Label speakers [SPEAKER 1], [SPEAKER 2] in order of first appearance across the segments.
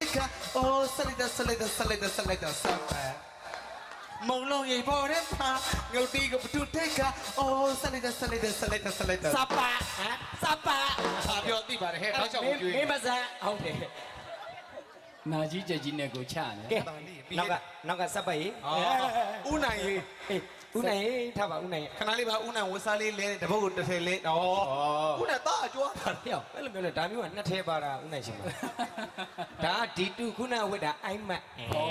[SPEAKER 1] ka oh salida sapa mong long ye bo de pa ngau ti ko tu te ka oh salida
[SPEAKER 2] sapa sapa
[SPEAKER 1] ဟာပြောသိပါတယ်ဟဲ့တော့ချောက်ကိုကျွေး
[SPEAKER 2] မင်းမစမ်းဟုတ်တယ်နာကြီးကြကြီးနဲ့ကိုချနေကဲနောက်ကစပ်ပါရေ
[SPEAKER 1] ဦးနိုင်ရေး
[SPEAKER 2] ဦးနိုင်ထားပါဦးနိုင်
[SPEAKER 1] ခဏလေးပါဦးနိုင်ဝစားလေးလဲတပုတ်ကိုတစ်ထည်လေးဩဦးနိုင်သားအကျွမ်းတာ
[SPEAKER 2] ဟဲ့အဲ့လိုမျိုးလေဒါမျိုးကနှစ်ထဲပါတာဦးနိုင်ရှင်ပါဒါဒီတူခုနဝိတာအိုက်မတ်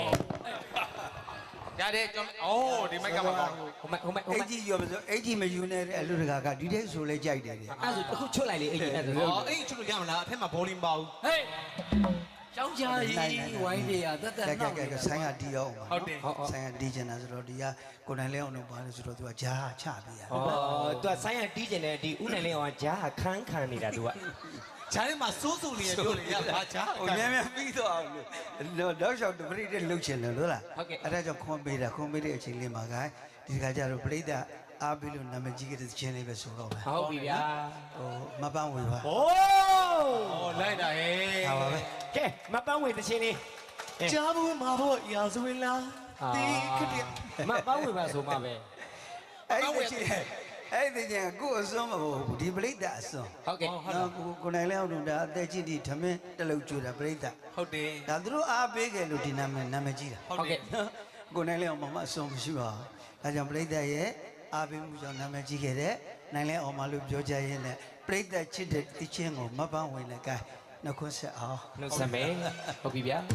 [SPEAKER 1] ရတယ်ကျွန်တော်ဒီမိုက်ကမှာကောင်း
[SPEAKER 2] ဟိုမဟိုမ
[SPEAKER 3] အိတ်ကြီးရောမဆိုအိတ်ကြီးမယူနဲ့တဲ့အလူတကာကဒီတဲ့ဆိုလဲကြိုက်တယ်လေ
[SPEAKER 2] အဲ့ဆိုအခုချွတ်လိုက်လေအဲ့ဒါ
[SPEAKER 1] အေးချွတ်လို့ရမလားအထက်မှာဘောလုံးပါဘူး
[SPEAKER 2] ဟေးကျောင်းကြားကြီးဝိုင်းပြေရတက်တက်နောက်
[SPEAKER 3] ကဲဆိုင်ကတီးအောင်
[SPEAKER 1] ဟုတ်တယ်
[SPEAKER 3] ဆိုင်ကတီးချင်တာဆိုတော့ဒီကကိုနိုင်လဲအောင်တော့ပါလို့ဆိုတော့သူကဂျားချပေးရ
[SPEAKER 2] ဩသူကဆိုင်းရတီးကျင်တယ်ဒီဦးနိုင်လေးအောင်ဂျားခန်းခံနေတာသူက
[SPEAKER 1] ဂျားထဲမှာစိုးစိုးလေးပြောလေရပါဂျား
[SPEAKER 3] ဟိုမြန်မြန်ပြီးတော့အောင်လို့တော့ရှောက်တပရိတဲ့လှုပ်ချင်တယ်လို့လားအဲ့ဒါကြောင့်ခွန်ပေးတာခွန်ပေးတဲ့အချိန်လေးမှာကဒီကကြတော့ပရိသတ်အားပေးလို့နာမည်ကြီးတဲ့ချင်းလေးပဲဆိုတော့ပဲ
[SPEAKER 2] ဟုတ်ပြီဗျာ
[SPEAKER 3] ဟိုမပန်းဝေပါ
[SPEAKER 2] โอ้
[SPEAKER 1] လိုက်တာဟဲ့
[SPEAKER 3] ဟာပါပဲ
[SPEAKER 2] ကဲမပန်းဝေတချင်းလေး
[SPEAKER 1] ကြားဘူးမှာဖို့ရာဇဝင်လားဒီခက်တဲ့
[SPEAKER 2] မပန်းဝေပါဆိုမှပဲ
[SPEAKER 3] အဲ့ဒီချင်းအဲ့ဒီချင်းကိုအစွန်းမဟုတ်ဘူးဒီပရိသတ်အစွန်း
[SPEAKER 2] ဟုတ်ကဲ့
[SPEAKER 3] နော်ကိုနိုင်လဲအောင်လို့ဒါအသက်ကြီးဒီထမင်းတလုံးကျွေးတာပရိသတ်
[SPEAKER 1] ဟုတ်တယ်
[SPEAKER 3] ဒါသူတို့အားပေးကြလို့ဒီနာမည်ကြီးတာ
[SPEAKER 1] ဟုတ်တယ်
[SPEAKER 3] ကိုနိုင်လဲအောင်မအစွန်းမရှိပါဘူးဒါကြောင့်ပရိသတ်ရဲ့အားပေးမှုကြောင့်နာမည်ကြီးခဲ့တဲ့နိုင်လဲအောင်မလို့ပြောကြရင်းနဲ့ပရိသတ်ချစ်တဲ့တချင်းကိုမပန်းဝင်လည်းကဲနှုတ်ခွန်းဆက်အောင်
[SPEAKER 2] နှုတ်ဆက်မယ်ဟုတ်ပြီဗျာ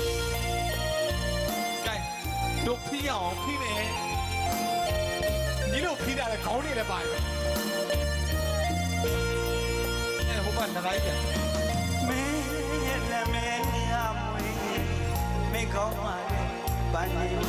[SPEAKER 1] ကဲတို့ဖီးအောင်ဖီးမယ်ညီတို့ဖီးတာလည်းခေါင်းနေလည်းပါတယ်အဲဟိုကနဂိုင်းပြန်
[SPEAKER 3] မင်းရဲ့နာမည်ရမွေးမိကောင်းပါလေပန်းနေ